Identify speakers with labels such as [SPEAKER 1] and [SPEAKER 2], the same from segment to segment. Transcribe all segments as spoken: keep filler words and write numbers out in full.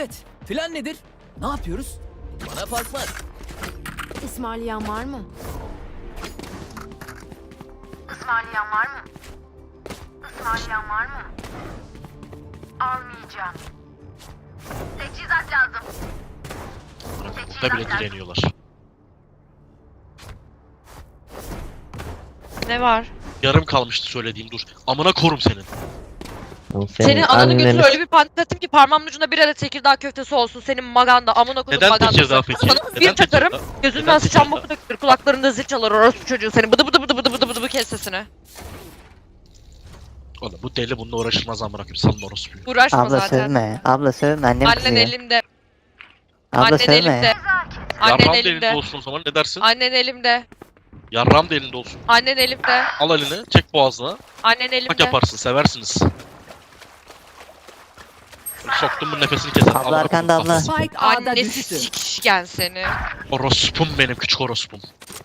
[SPEAKER 1] Evet. Plan nedir? Ne yapıyoruz? Bana fark var.
[SPEAKER 2] İsmailiyen var mı?
[SPEAKER 3] İsmailiyen var mı? İsmailiyen var mı? Almayacağım. Teçhizat lazım.
[SPEAKER 4] Burada bile direniyorlar.
[SPEAKER 5] Ne var?
[SPEAKER 4] Yarım kalmıştı söylediğim, dur. Amına korum senin.
[SPEAKER 6] Senin,
[SPEAKER 5] Senin ananı götür
[SPEAKER 6] anneni-
[SPEAKER 5] öyle bir pantlattım ki parmağımın ucunda bir adet Tekirdağ köftesi olsun. Senin maganda amına koydum
[SPEAKER 4] Neden
[SPEAKER 5] magandası.
[SPEAKER 4] Tekirdağ peki?
[SPEAKER 5] Sana
[SPEAKER 4] Neden
[SPEAKER 5] bir takarım.
[SPEAKER 4] Tekirdağ?
[SPEAKER 5] Gözünden
[SPEAKER 4] Neden
[SPEAKER 5] sıçan
[SPEAKER 4] Tekirdağ?
[SPEAKER 5] boku dökülür. Kulaklarında zil çalar orospu çocuğu seni. Bıdı bıdı bıdı bıdı bıdı bıdı bıdı kes sesini.
[SPEAKER 4] Oğlum bu deli bununla uğraşılmaz amına koyayım. Salın orospuyu.
[SPEAKER 5] Uğraşma
[SPEAKER 6] Abla
[SPEAKER 5] zaten.
[SPEAKER 6] sövme. Abla sövme. Annem
[SPEAKER 5] Annen
[SPEAKER 6] kızıyor.
[SPEAKER 5] elimde.
[SPEAKER 6] Abla
[SPEAKER 5] Annen
[SPEAKER 6] sövme.
[SPEAKER 5] elimde. Annen
[SPEAKER 4] Yarram da elinde
[SPEAKER 5] elimde.
[SPEAKER 4] olsun o zaman, ne dersin?
[SPEAKER 5] Annen elimde.
[SPEAKER 4] Yarram da elinde olsun.
[SPEAKER 5] Annen elimde.
[SPEAKER 4] Al elini, çek boğazına.
[SPEAKER 5] Annen
[SPEAKER 4] Bak
[SPEAKER 5] elimde.
[SPEAKER 4] yaparsın, seversiniz. Soktum bu nefesini keser.
[SPEAKER 6] Abla
[SPEAKER 4] Amına
[SPEAKER 6] arkanda
[SPEAKER 4] koyayım
[SPEAKER 6] abla.
[SPEAKER 4] kafasını.
[SPEAKER 2] Spike A'da
[SPEAKER 5] Annesi
[SPEAKER 2] düştü.
[SPEAKER 5] sikişken seni.
[SPEAKER 4] Orospum benim, küçük orospum.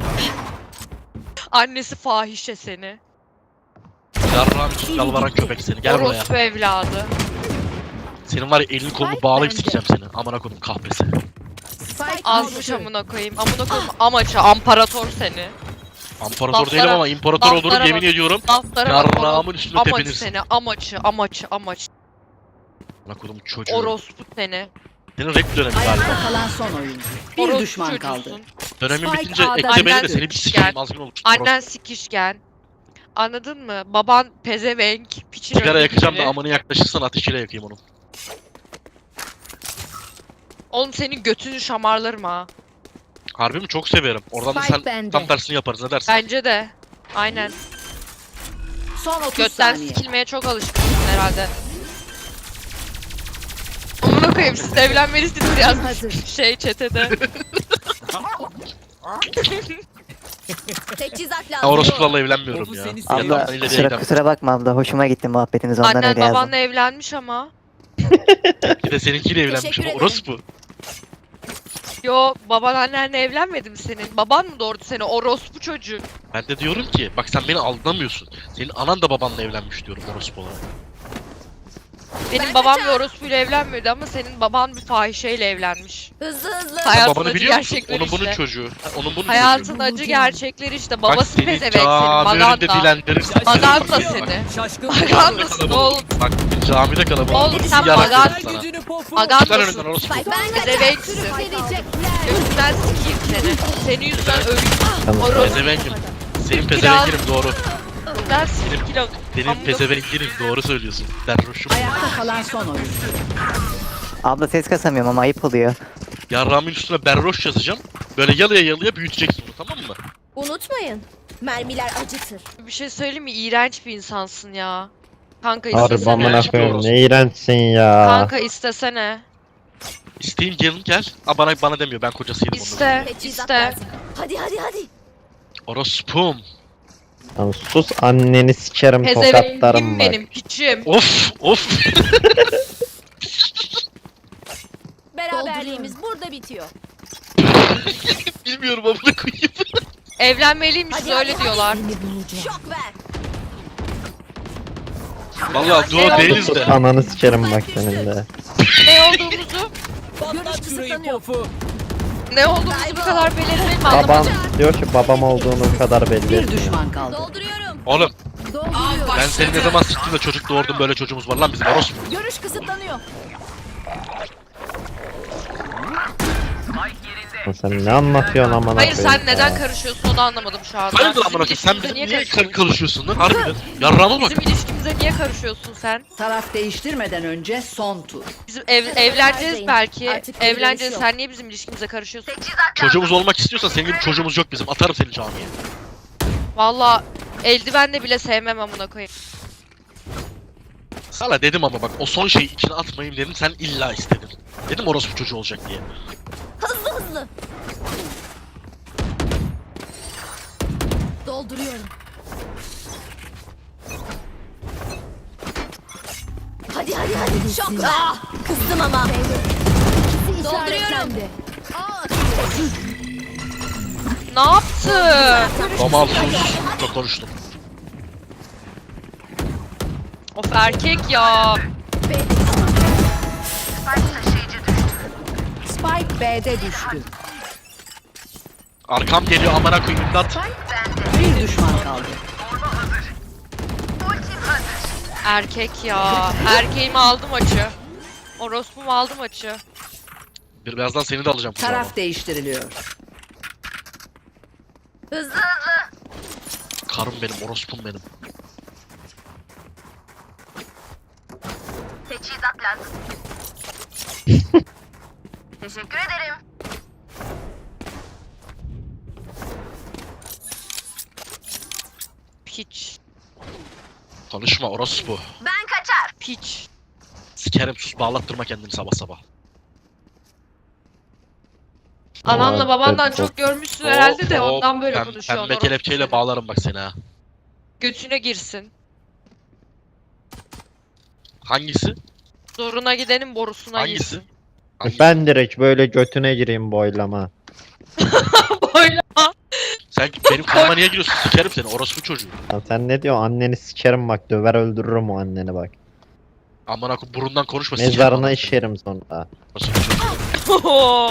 [SPEAKER 5] Annesi fahişe seni.
[SPEAKER 4] Yarram için yalvaran köpek seni. Gel buraya.
[SPEAKER 5] Orospu evladı.
[SPEAKER 4] Senin var ya elini kolunu
[SPEAKER 2] Spike
[SPEAKER 4] bağlayıp
[SPEAKER 2] bende.
[SPEAKER 4] sikeceğim seni. Amına koydum kahpesi.
[SPEAKER 2] Spike
[SPEAKER 5] Azmış
[SPEAKER 2] düştü.
[SPEAKER 5] amına koyayım. Amına koyayım amaça amparator seni.
[SPEAKER 4] İmparator
[SPEAKER 5] Laflara-
[SPEAKER 4] değilim ama imparator olurum
[SPEAKER 5] laflara
[SPEAKER 4] yemin
[SPEAKER 5] bak.
[SPEAKER 4] ediyorum.
[SPEAKER 5] Laflara bak oğlum.
[SPEAKER 4] Yarrağımın üstüne
[SPEAKER 5] Amaç
[SPEAKER 4] tepinirsin.
[SPEAKER 5] seni amaçı amaçı amaç.
[SPEAKER 4] Amına koydum çocuğu.
[SPEAKER 5] Orospu seni.
[SPEAKER 4] Senin rap dönemi galiba.
[SPEAKER 7] Ayakta kalan son oyuncu. Bir
[SPEAKER 5] Orospu
[SPEAKER 7] düşman kaldı.
[SPEAKER 5] çocuğusun.
[SPEAKER 4] Dönemin
[SPEAKER 2] Spike
[SPEAKER 4] bitince
[SPEAKER 2] A'da
[SPEAKER 4] ekle beni de
[SPEAKER 5] annen
[SPEAKER 4] seni bir
[SPEAKER 5] sikişken.
[SPEAKER 4] sikeyim azgın olur.
[SPEAKER 5] Annen sikişken. Anladın mı? Baban pezevenk. Piçin
[SPEAKER 4] Sigara
[SPEAKER 5] önünde
[SPEAKER 4] yakacağım da
[SPEAKER 5] biri.
[SPEAKER 4] amanı yaklaşırsan ateşiyle yakayım onu.
[SPEAKER 5] Oğlum senin götünü şamarlarım ha.
[SPEAKER 4] Harbi mi? Çok severim. Oradan da
[SPEAKER 2] Spike
[SPEAKER 4] sen
[SPEAKER 2] bende.
[SPEAKER 4] tam tersini yaparız, ne dersin?
[SPEAKER 5] Bence de. Aynen.
[SPEAKER 7] Son otuz
[SPEAKER 5] Götten
[SPEAKER 7] saniye.
[SPEAKER 5] sikilmeye çok alışkınsın herhalde. Amına koyayım siz de evlenmelisiniz yazmış
[SPEAKER 2] Hazır.
[SPEAKER 5] şey chatede.
[SPEAKER 2] Teçhizat
[SPEAKER 4] Ya
[SPEAKER 2] lazım.
[SPEAKER 4] orospularla evlenmiyorum
[SPEAKER 1] Topu
[SPEAKER 4] ya.
[SPEAKER 1] seni
[SPEAKER 4] Yandan
[SPEAKER 1] seviyorum.
[SPEAKER 6] Abla
[SPEAKER 4] ileriye
[SPEAKER 6] kusura,
[SPEAKER 4] gidemem.
[SPEAKER 6] kusura bakma abla. Hoşuma gitti muhabbetiniz. Ondan
[SPEAKER 5] Annen
[SPEAKER 6] öyle yazdım.
[SPEAKER 5] babanla evlenmiş ama.
[SPEAKER 4] Bir de seninkiyle evlenmiş
[SPEAKER 2] Teşekkür
[SPEAKER 4] ama
[SPEAKER 2] ederim.
[SPEAKER 4] orospu.
[SPEAKER 5] Yo baban annenle evlenmedi mi senin? Baban mı doğurdu seni? Orospu çocuğu.
[SPEAKER 4] Ben de diyorum ki bak sen beni aldanamıyorsun. Senin anan da babanla evlenmiş diyorum orospu olarak.
[SPEAKER 5] Benim
[SPEAKER 2] Ben
[SPEAKER 5] babam
[SPEAKER 2] kaçar.
[SPEAKER 5] bir orospuyla evlenmedi ama senin baban bir fahişeyle evlenmiş.
[SPEAKER 2] Hızlı hızlı.
[SPEAKER 4] Sen
[SPEAKER 5] Hayatın
[SPEAKER 4] babanı
[SPEAKER 5] acı
[SPEAKER 4] biliyor musun?
[SPEAKER 5] gerçekleri
[SPEAKER 4] Onun bunun
[SPEAKER 5] işte.
[SPEAKER 4] çocuğu. Ha, onun bunun
[SPEAKER 5] Hayatın
[SPEAKER 4] çocuğu.
[SPEAKER 5] acı gerçekleri işte.
[SPEAKER 4] Bak
[SPEAKER 5] Babası
[SPEAKER 4] seni
[SPEAKER 5] pezevenk senin.
[SPEAKER 4] cami önünde
[SPEAKER 5] Maganda.
[SPEAKER 4] dilendirirsin.
[SPEAKER 5] Maganda
[SPEAKER 4] Bak,
[SPEAKER 5] seni.
[SPEAKER 4] bak,
[SPEAKER 1] Şaşkın.
[SPEAKER 5] Magandasın oğlum.
[SPEAKER 4] Bak camide kalabalık.
[SPEAKER 5] Oğlum sen
[SPEAKER 4] Yarak
[SPEAKER 5] maganda-
[SPEAKER 4] yedim sana.
[SPEAKER 1] Gücünü pofu.
[SPEAKER 4] Çıkar önümden
[SPEAKER 5] Magandasın.
[SPEAKER 4] orospu.
[SPEAKER 2] Spike ben
[SPEAKER 5] Pezevenksin. Gözünden sikeyim seni. Senin yüzünden öleyim.
[SPEAKER 6] Tamam.
[SPEAKER 5] Orospu.
[SPEAKER 4] Pezevenkim. Senin
[SPEAKER 5] Biraz-
[SPEAKER 4] pezevenkinim doğru.
[SPEAKER 5] Gözünden sikeyim kilo.
[SPEAKER 4] Senin
[SPEAKER 5] Amına-
[SPEAKER 4] pezevenkinim doğru söylüyorsun. Derroşum.
[SPEAKER 7] Ayakta kalan son oyuncu.
[SPEAKER 6] Abla ses kasamıyorum ama ayıp oluyor.
[SPEAKER 4] Yarrağımın üstüne berroş yazacağım. Böyle yalıya yalıya büyüteceksin onu, tamam mı?
[SPEAKER 2] Unutmayın. Mermiler acıtır.
[SPEAKER 5] Bir şey söyleyeyim mi? İğrenç bir insansın ya. Kanka
[SPEAKER 6] Harbi
[SPEAKER 5] istesene.
[SPEAKER 6] amına
[SPEAKER 4] Gerçekten
[SPEAKER 6] koyayım.
[SPEAKER 4] orası.
[SPEAKER 6] Ne iğrençsin ya.
[SPEAKER 5] Kanka istesene.
[SPEAKER 4] İsteyeyim gelin gel. Aa, bana bana demiyor, ben kocasıyım onun.
[SPEAKER 5] İste.
[SPEAKER 2] Teçhizat
[SPEAKER 5] İste.
[SPEAKER 2] lazım. Hadi hadi hadi.
[SPEAKER 4] Orospum.
[SPEAKER 6] Tamam, sus anneni sikerim tokatlarım
[SPEAKER 5] Pezevenkim
[SPEAKER 6] bak.
[SPEAKER 5] benim piçim.
[SPEAKER 4] Of of.
[SPEAKER 2] Beraberliğimiz burada bitiyor.
[SPEAKER 4] Bilmiyorum amına koyayım.
[SPEAKER 5] Evlenmeliymiş öyle diyorlar.
[SPEAKER 2] Şok ver.
[SPEAKER 4] Vallahi duo değiliz de.
[SPEAKER 6] Ananı sikerim bak senin de.
[SPEAKER 5] Ne olduğumuzu,
[SPEAKER 1] Patlat şurayı
[SPEAKER 2] kısıtlanıyor.
[SPEAKER 1] pofu.
[SPEAKER 5] ne olduğumuzu bu kadar belirtmeyi mi
[SPEAKER 6] Babam
[SPEAKER 5] anlamadım.
[SPEAKER 6] diyor ki babam olduğunu kadar belli
[SPEAKER 7] Bir
[SPEAKER 6] etmiyor.
[SPEAKER 7] düşman kaldı.
[SPEAKER 2] Dolduruyorum.
[SPEAKER 4] Oğlum
[SPEAKER 2] Dolduruyorum.
[SPEAKER 4] ben seni ne zaman siktim de çocuk doğurdum, böyle çocuğumuz var lan bizim orospu.
[SPEAKER 2] Görüş kısıtlanıyor.
[SPEAKER 6] Sen ne anlatıyorsun amına
[SPEAKER 5] Hayır
[SPEAKER 6] koyayım
[SPEAKER 5] sen neden
[SPEAKER 6] ya.
[SPEAKER 5] karışıyorsun onu anlamadım şu anda.
[SPEAKER 4] Hayırdır amına koyayım, sen
[SPEAKER 5] ilişkimize
[SPEAKER 4] bizim niye kar-
[SPEAKER 5] karışıyorsun?
[SPEAKER 4] karışıyorsun lan harbiden? Yarrağıma bak.
[SPEAKER 5] Bizim ilişkimize niye karışıyorsun sen?
[SPEAKER 7] Taraf değiştirmeden önce son tur.
[SPEAKER 5] Bizim ev, evleneceğiz
[SPEAKER 2] Artık
[SPEAKER 5] belki.
[SPEAKER 2] bir dönüş
[SPEAKER 5] Evleneceğiz.
[SPEAKER 2] yok.
[SPEAKER 5] Sen niye bizim ilişkimize karışıyorsun?
[SPEAKER 4] Çocuğumuz olmak istiyorsan senin gibi çocuğumuz yok bizim. Atarım seni camiye.
[SPEAKER 5] Valla eldivenle bile sevmem amına koyayım.
[SPEAKER 4] Sana dedim ama bak o son şeyi içine atmayayım dedim, sen illa istedin. Dedim orospu çocuğu olacak diye.
[SPEAKER 2] Hızlı hızlı. Dolduruyorum. Hadi hadi hadi. Şok ver. Kızdım ama. Dolduruyorum.
[SPEAKER 5] Ne yaptı?
[SPEAKER 4] Aman sus. Çok konuştum.
[SPEAKER 5] Of erkek ya.
[SPEAKER 3] Taşıyıcı
[SPEAKER 7] Spike B'de düştü.
[SPEAKER 4] Arkam geliyor amına koyayım imdat.
[SPEAKER 7] Bir düşman kaldı.
[SPEAKER 3] Ultim hazır.
[SPEAKER 5] Erkek ya. Erkeğimi aldı maçı. Orospum aldı maçı.
[SPEAKER 4] Bir birazdan seni de alacağım kucağıma.
[SPEAKER 7] Taraf değiştiriliyor.
[SPEAKER 3] Hızlı hızlı.
[SPEAKER 4] Karım benim, orospum benim.
[SPEAKER 3] Teçhizat lazım. Teşekkür ederim.
[SPEAKER 5] Piç.
[SPEAKER 4] Konuşma orospu.
[SPEAKER 3] Ben kaçar.
[SPEAKER 5] Piç.
[SPEAKER 4] Sikerim sus bağlattırma kendini sabah sabah.
[SPEAKER 5] Ananla
[SPEAKER 6] Aa,
[SPEAKER 5] babandan
[SPEAKER 6] çok-
[SPEAKER 5] çok görmüşsün herhalde de
[SPEAKER 4] Oo,
[SPEAKER 5] ondan böyle
[SPEAKER 4] pem-
[SPEAKER 5] konuşuyorsun.
[SPEAKER 4] Pembe
[SPEAKER 5] orospu
[SPEAKER 4] kelepçeyle
[SPEAKER 5] seni.
[SPEAKER 4] bağlarım bak seni ha.
[SPEAKER 5] Götüne girsin.
[SPEAKER 4] Hangisi?
[SPEAKER 5] Zoruna gidenin borusuna
[SPEAKER 4] Hangisi?
[SPEAKER 5] girsin.
[SPEAKER 4] Hangisi?
[SPEAKER 6] Ben direkt böyle götüne gireyim boylama.
[SPEAKER 5] Böyle.
[SPEAKER 4] Sen benim karıma niye giriyorsun? Sikerim seni orospu çocuğu.
[SPEAKER 6] Lan sen ne diyorsun? Anneni sikerim bak, döver öldürürüm o anneni bak.
[SPEAKER 4] Amına koyayım burundan konuşma sikerim.
[SPEAKER 6] Mezarına
[SPEAKER 4] amına
[SPEAKER 6] işerim sonra.
[SPEAKER 4] koyayım. Orospu çocuğu.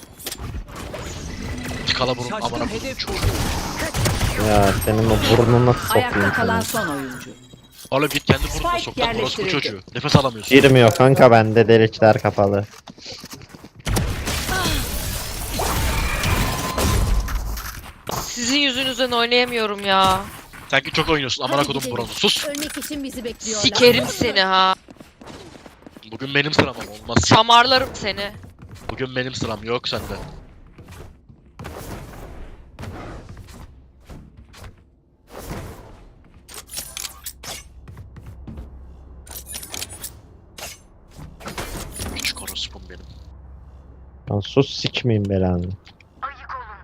[SPEAKER 4] Tıkala burun amına koyayım
[SPEAKER 1] hedef
[SPEAKER 4] çocuğu.
[SPEAKER 6] Ya senin o burnuna sokayım
[SPEAKER 7] Ayakta kalan
[SPEAKER 6] seni.
[SPEAKER 7] son oyuncu.
[SPEAKER 4] Oğlum git kendi burnuna
[SPEAKER 7] Spike
[SPEAKER 4] sok lan orospu
[SPEAKER 7] yerleştirildi.
[SPEAKER 4] çocuğu. Nefes alamıyorsun.
[SPEAKER 6] Girmiyor kanka, bende delikler kapalı.
[SPEAKER 5] Sizin yüzünüzden oynayamıyorum ya.
[SPEAKER 4] Sanki çok oynuyorsun amına kodum buranı. Sus.
[SPEAKER 2] Ölmek için bizi bekliyorlar.
[SPEAKER 5] Sikerim seni ha.
[SPEAKER 4] Bugün benim sıram ama olmaz.
[SPEAKER 5] Şamarlarım seni.
[SPEAKER 4] Bugün benim sıram yok sende. Küçük orospum benim.
[SPEAKER 6] Lan sus, sikmeyeyim belanı.
[SPEAKER 3] Ayık olun.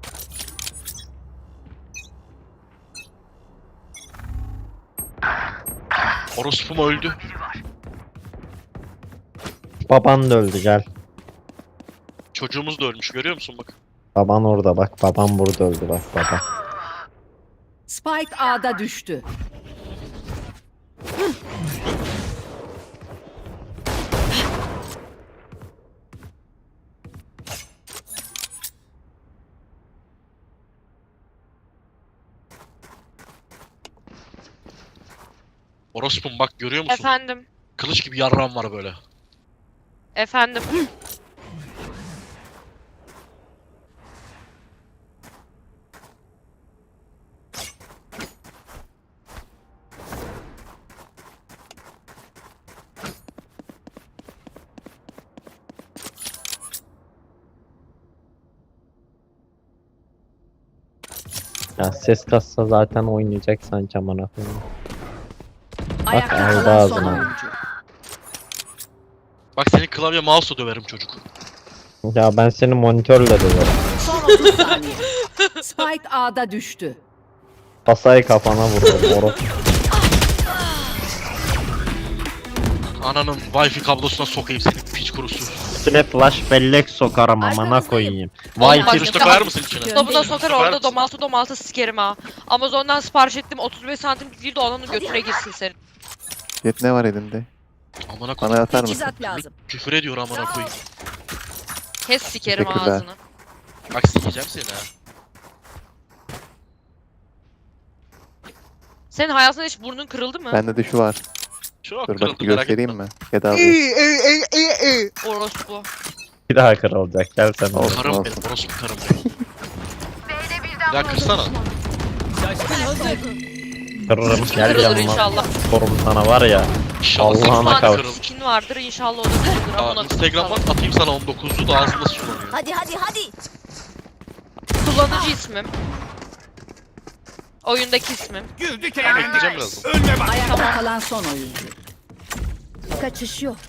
[SPEAKER 4] Orospum öldü.
[SPEAKER 6] Baban da öldü, gel.
[SPEAKER 4] Çocuğumuz da ölmüş görüyor musun bak.
[SPEAKER 6] Baban orada bak, babam burada öldü bak baba.
[SPEAKER 7] Spike A'da düştü.
[SPEAKER 4] Orospum bak görüyor musun?
[SPEAKER 5] Efendim.
[SPEAKER 4] Kılıç gibi yarram var böyle.
[SPEAKER 5] Efendim.
[SPEAKER 6] Ya ses kassa zaten oynayacaksan camana koyayım.
[SPEAKER 7] Ayakta
[SPEAKER 6] aldı
[SPEAKER 7] kalan son
[SPEAKER 6] ağzına.
[SPEAKER 7] oyuncu.
[SPEAKER 4] Bak seni klavye mouse'la döverim çocuk.
[SPEAKER 6] Ya ben seni monitörle döverim.
[SPEAKER 7] Son otuz saniye. Spike A'da düştü.
[SPEAKER 6] Kasayı kafana vururum orospu.
[SPEAKER 4] Ananın wifi kablosuna sokayım seni piç kurusu.
[SPEAKER 6] Üstüne flash bellek sokarım amına koyayım. Vay
[SPEAKER 5] Bak-
[SPEAKER 4] Virüste koyar mısın içine?
[SPEAKER 5] Dolabına sokar
[SPEAKER 4] Süper
[SPEAKER 5] orada
[SPEAKER 4] misin?
[SPEAKER 5] domaltı domaltı sikerim ha. Amazon'dan sipariş ettim otuz beş santim değil de onun götüne girsin senin.
[SPEAKER 8] Jet ne var elinde?
[SPEAKER 4] Amına
[SPEAKER 8] Bana
[SPEAKER 4] koyayım.
[SPEAKER 8] atar mısın?
[SPEAKER 2] Teçhizat lazım.
[SPEAKER 4] Küfür ediyor amına koyayım.
[SPEAKER 5] Kes sikerim
[SPEAKER 8] Teşekkürler.
[SPEAKER 5] ağzını.
[SPEAKER 4] Bak sikeceğim seni ha.
[SPEAKER 5] Senin hayatında hiç burnun kırıldı mı?
[SPEAKER 8] Bende de şu var.
[SPEAKER 4] Çok
[SPEAKER 8] Dur
[SPEAKER 4] kırıldı
[SPEAKER 8] bak bir
[SPEAKER 4] merak
[SPEAKER 8] göstereyim
[SPEAKER 4] etme.
[SPEAKER 8] mi? Gel abi.
[SPEAKER 5] Orospu.
[SPEAKER 6] Bir daha kırılacak, gel sen oraya.
[SPEAKER 8] Olsun.
[SPEAKER 4] Karım benim orospu karım benim.
[SPEAKER 3] B'de birden
[SPEAKER 4] Ya kırsana.
[SPEAKER 1] Şaşkın hazır.
[SPEAKER 6] Kırırım, gel
[SPEAKER 5] Kırılır
[SPEAKER 6] yanıma.
[SPEAKER 5] inşallah.
[SPEAKER 6] Sorum sana var ya.
[SPEAKER 4] İnşallah
[SPEAKER 6] Allah'ına
[SPEAKER 4] sekiz
[SPEAKER 5] Allah'ına
[SPEAKER 4] tane
[SPEAKER 6] kavuşsun.
[SPEAKER 4] kırılır.
[SPEAKER 5] skin vardır inşallah o da kırılır.
[SPEAKER 4] Aa,
[SPEAKER 5] Amına
[SPEAKER 4] Instagram'dan
[SPEAKER 5] koyayım
[SPEAKER 4] atayım sana on dokuzlu da ağzında sulanıyor.
[SPEAKER 2] Hadi hadi hadi.
[SPEAKER 5] sana. Kullanıcı ismim. Oyundaki ismim.
[SPEAKER 1] Güldük
[SPEAKER 4] Bekleyeceğim birazdan.
[SPEAKER 1] Önüne bak.
[SPEAKER 7] Ayakta kalan son oyuncu.
[SPEAKER 2] Kaçış yok.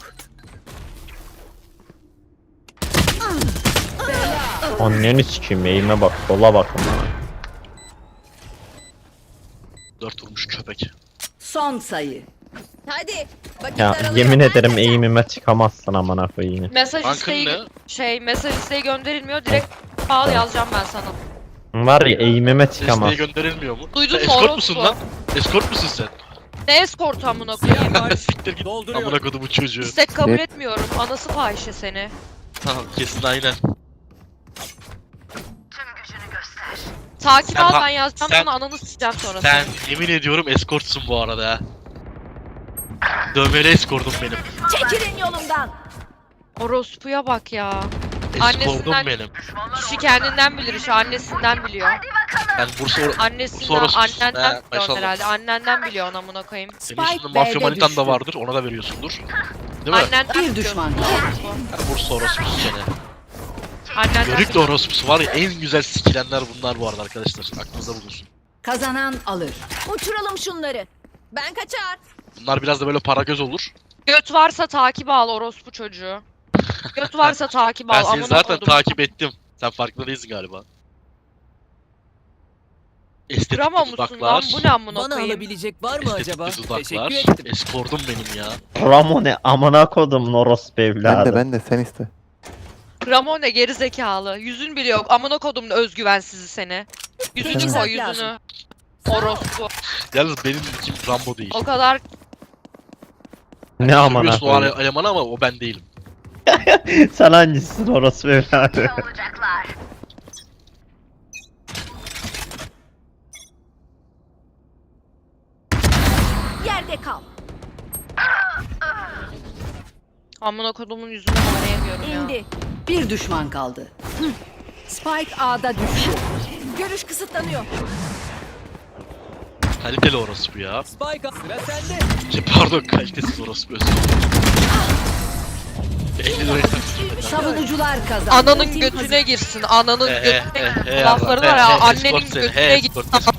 [SPEAKER 6] Anneni sikeyim, eğime bak, sola bak ama.
[SPEAKER 4] Dört vurmuş köpek.
[SPEAKER 7] Son sayı.
[SPEAKER 2] Hadi. Vakit
[SPEAKER 6] Ya
[SPEAKER 2] daralıyor.
[SPEAKER 6] yemin ederim
[SPEAKER 2] Hadi.
[SPEAKER 6] eğimime çıkamazsın amına koyayım.
[SPEAKER 5] Mesaj
[SPEAKER 4] Rankın
[SPEAKER 5] isteği
[SPEAKER 4] ne?
[SPEAKER 5] şey mesaj isteği gönderilmiyor direkt bağlı yazacağım ben sana.
[SPEAKER 6] Var ya eğimime
[SPEAKER 4] Desteğe
[SPEAKER 6] çıkamaz.
[SPEAKER 4] gönderilmiyor mu?
[SPEAKER 5] Duydun
[SPEAKER 4] Sen
[SPEAKER 5] mu
[SPEAKER 4] eskort
[SPEAKER 5] orospu?
[SPEAKER 4] musun lan? Eskort musun sen?
[SPEAKER 5] Ne eskortu amına koyayım?
[SPEAKER 4] Siktir git
[SPEAKER 1] Dolduruyor.
[SPEAKER 4] amına kodumu çocuğu.
[SPEAKER 5] İstek kabul
[SPEAKER 8] Evet.
[SPEAKER 5] etmiyorum. Anası fahişe seni.
[SPEAKER 4] Tamam kesin aynen.
[SPEAKER 3] Tüm gücünü göster.
[SPEAKER 5] Takip
[SPEAKER 4] Sen
[SPEAKER 5] al
[SPEAKER 4] ha-
[SPEAKER 5] ben yazacağım
[SPEAKER 4] sen-
[SPEAKER 5] sana ananı sikeceğim sonra.
[SPEAKER 4] Sen yemin ediyorum eskortsun bu arada ha. Dövmeli eskortum benim.
[SPEAKER 2] Çekilin yolumdan.
[SPEAKER 5] Orospuya bak ya.
[SPEAKER 4] Eskortum
[SPEAKER 5] Annesinden-
[SPEAKER 4] benim.
[SPEAKER 5] Kişi kendinden bilir işi annesinden biliyor.
[SPEAKER 4] Ben Bursa or
[SPEAKER 5] Annesinden,
[SPEAKER 4] Sonrası-
[SPEAKER 5] annenden
[SPEAKER 4] He,
[SPEAKER 5] biliyor
[SPEAKER 4] maşallah.
[SPEAKER 5] herhalde. Annenden biliyor amına koyayım.
[SPEAKER 4] senin
[SPEAKER 7] Spike
[SPEAKER 4] üstünde mafya
[SPEAKER 7] B'de
[SPEAKER 4] manitan
[SPEAKER 7] düştü.
[SPEAKER 4] da vardır, ona da veriyorsundur. Değil mi?
[SPEAKER 5] Annenden
[SPEAKER 7] Bir
[SPEAKER 5] biliyor.
[SPEAKER 7] düşman kaldı.
[SPEAKER 4] Her Bursa orospusu seni.
[SPEAKER 5] Annenden
[SPEAKER 4] Yörük de
[SPEAKER 5] biliyor.
[SPEAKER 4] orospusu var ya, en güzel sikilenler bunlar bu arada arkadaşlar. Aklınızda bulunsun.
[SPEAKER 7] Kazanan alır.
[SPEAKER 2] Uçuralım şunları. Ben kaçar.
[SPEAKER 4] Bunlar biraz da böyle para göz olur.
[SPEAKER 5] Göt varsa takip al orospu çocuğu. Göt varsa takip al.
[SPEAKER 4] Ben seni
[SPEAKER 5] amına
[SPEAKER 4] zaten
[SPEAKER 5] kodum.
[SPEAKER 4] takip ettim. Sen farkında değilsin galiba. Estetik
[SPEAKER 5] Duramamışsın
[SPEAKER 4] dudaklar.
[SPEAKER 5] lan bu ne amına
[SPEAKER 1] Bana
[SPEAKER 5] koyayım.
[SPEAKER 1] alabilecek var mı acaba?
[SPEAKER 4] Estetik
[SPEAKER 1] Teşekkür
[SPEAKER 4] dudaklar.
[SPEAKER 1] ettim.
[SPEAKER 4] Eskortum benim ya.
[SPEAKER 6] Ramone amına kodum orospu
[SPEAKER 8] Ben
[SPEAKER 6] evladı.
[SPEAKER 8] de ben de sen iste.
[SPEAKER 5] Ramone geri zekalı. Yüzün bile yok. Amına kodumun özgüvensizi seni. Yüzünü
[SPEAKER 2] Teçhizat
[SPEAKER 5] koy
[SPEAKER 2] lazım.
[SPEAKER 5] yüzünü. Orospu.
[SPEAKER 4] Yalnız benim kim Rambo değil.
[SPEAKER 5] O kadar
[SPEAKER 6] Ne amına
[SPEAKER 4] Biliyorsun o
[SPEAKER 6] koyayım.
[SPEAKER 4] ele- elemanı ama o ben değilim.
[SPEAKER 6] Sen hangisisin orospu evladı?
[SPEAKER 3] Ne olacaklar?
[SPEAKER 2] Yerde kal.
[SPEAKER 5] amına kodumun yüzüne bağlayamıyorum ya.
[SPEAKER 2] İndi.
[SPEAKER 7] Bir düşman kaldı. Hı. Spike A'da düştü.
[SPEAKER 2] Görüş kısıtlanıyor.
[SPEAKER 4] Kaliteli orospu ya.
[SPEAKER 1] Spike sıra sende.
[SPEAKER 4] Şey, pardon kalitesiz orospu özür dilerim. elli liraya taksittim.
[SPEAKER 7] Savunucular kazandı.
[SPEAKER 5] Ananın
[SPEAKER 7] Ultim
[SPEAKER 5] götüne girsin. Ananın
[SPEAKER 4] He he
[SPEAKER 5] götüne
[SPEAKER 4] he
[SPEAKER 5] girsin.
[SPEAKER 4] he
[SPEAKER 5] Lafları
[SPEAKER 4] he
[SPEAKER 5] var ya
[SPEAKER 4] he
[SPEAKER 5] annenin
[SPEAKER 4] escort seni, he
[SPEAKER 5] götüne
[SPEAKER 4] escort
[SPEAKER 5] gitsin.